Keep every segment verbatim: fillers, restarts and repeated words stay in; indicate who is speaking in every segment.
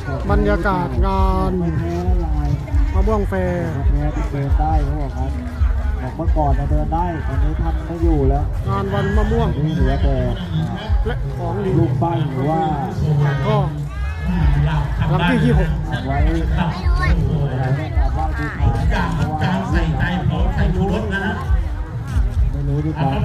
Speaker 1: บรรยากาศงานมะม่วงแฟร์
Speaker 2: แพ้ที่เดินได้เขาบอกครับบอกเมื่อก่อนจะเดินได้ตอนนี้ท่านไม่อยู่แล้ว
Speaker 1: งานวันมะม่วง
Speaker 2: นี่เหลือแต่
Speaker 1: และของดี
Speaker 2: ลูกปั้นหรือว่า
Speaker 1: ก็หลังที่ยี่หก
Speaker 2: ไว้อะไรได้กราบไหว้บูชาเพราะว่าใส่ใจของใส่ชูรสนะฮะไม่รู้ดีกว่า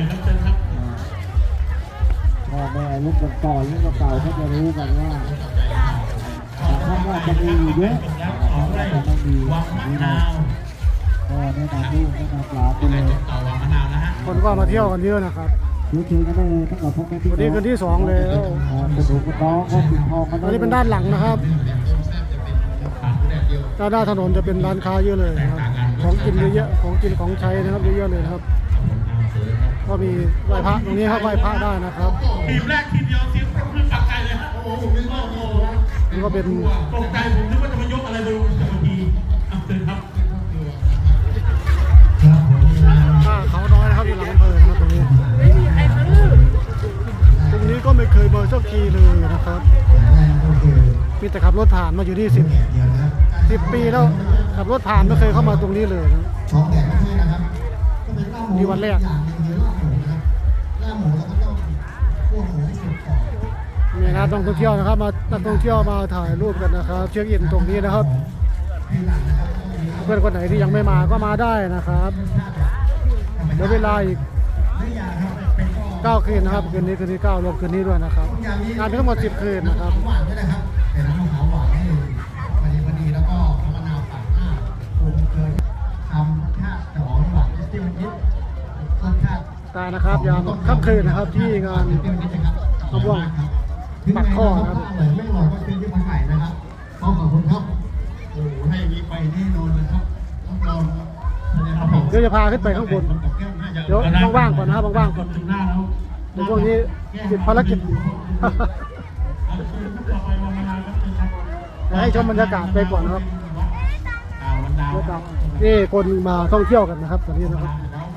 Speaker 2: พ่อแม่ลูกก่อนลูกเก่าเขาจะรู้กันว่าถ้าว่าจะมีเยอะจะต้องมีนี่นะก็แนะนำลูกแนะนำหลานไปเลย
Speaker 1: คนก็มาเที่ยวกันเยอะนะครับ
Speaker 2: ซื้อคืนก็ได้ตั้งแต่พ่อแม่พี่
Speaker 1: วันนี้คืนที่สองแล้ว
Speaker 2: กระดูกกระน้องก็ปิดทองกัน
Speaker 1: อันนี้เป็นด้านหลังนะครับด้านหน้าถนนจะเป็นร้านค้าเยอะเลยนะครับของกินเยอะๆของกินของใช้นะครับเยอะๆเลยนะครับก็มีไหว้พระตรงนี้ครับไหว้พระได้นะครับ
Speaker 3: ทีมแรกทีเดียวทีมปลื้มปักใจเลยฮะโอ้โหผมนึกว่าโอ้โห
Speaker 1: นี่ก็เป็น
Speaker 3: ตกใจผมนึกว่าจะมายกอะไรบนจักรพีอ่ะเชิญครับ
Speaker 1: ท่าเขาน้อยนะครับอยู่หลังอำเภอนะครับตรงนี้ตรงนี้ก็ไม่เคยมาสักทีเลยนะครับมีแต่ขับรถผ่านมาอยู่ที่สิบสิบปีแล้วขับรถผ่านไม่เคยเข้ามาตรงนี้เลยนะมีวันแรกมีนักท่องเที่ยวนะครับมานักท่องเที่ยวมาถ่ายรูปกันนะครับเช็คอินตรงนี้นะครับเพื่อนคนไหนที่ยังไม่มาก็มาได้นะครับเดี๋ยวเวลาอีกเก้าคืนนะครับคืนนี้คืนที่เก้ารวมคืนนี้ด้วยนะครับงานมีทั้งหมดสิบคืนนะครับตานะครับยามค่ำคืนนะครับที่งานมะม่วงปักข้อนะครับ
Speaker 2: ไม่บอกว่าเป็นที่มาถ่ายนะครับขอบคุณครับโอ้ให้มีไปแน่นอนนะครับต้องรอ
Speaker 1: เดี๋ยวจะพาขึ้นไปข้างบนเดี๋ยวว่างๆก่อนนะครับว่างๆก่อนในพวกนี้ติดภารกิจให้ชมบรรยากาศไปก่อนนะครับนี่คนมาท่องเที่ยวกันนะครับตอนนี้นะครับ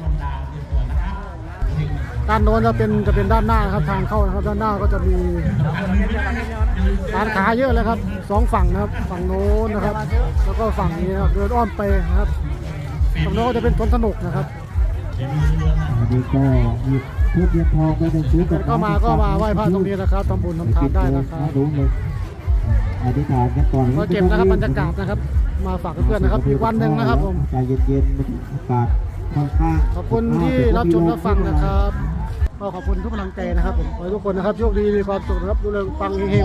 Speaker 1: ด้านโน้นจะเป็นจะเป็นด้านหน้านะครับทางเข้านะครับด้านหน้าก็จะมีร้านค้าเยอะเลยครับสองฝั่งนะครับฝั่งโน้นนะครับแล้วก็ฝั่งนี้นะครับเดินอ้อมไปนะครับฝั่งโน้นจะเป็นสวนสนุกนะครับ
Speaker 2: นี่ก็หยิบทุบเทียนทองไปในซื้อ
Speaker 1: ก็มาก็มาไหว้พระตรงนี้นะครับทำบุญทำทานได้นะครับ
Speaker 2: รู้เลยอธิษฐานกันก่อน
Speaker 1: มาเก็บนะครับบรรยากาศนะครับมาฝากเพื่อนๆนะครับอีกวันหนึ่งนะครับผม
Speaker 2: ใจเย็นๆอากาศค่อนข้าง
Speaker 1: ขอบคุณที่รับชมรับฟังนะครับก็ขอบคุณทุกกำลังใจนะครับผมขอให้ทุกคนนะครับโชคดีมีความสุขนะครับดูแลฟังเฮง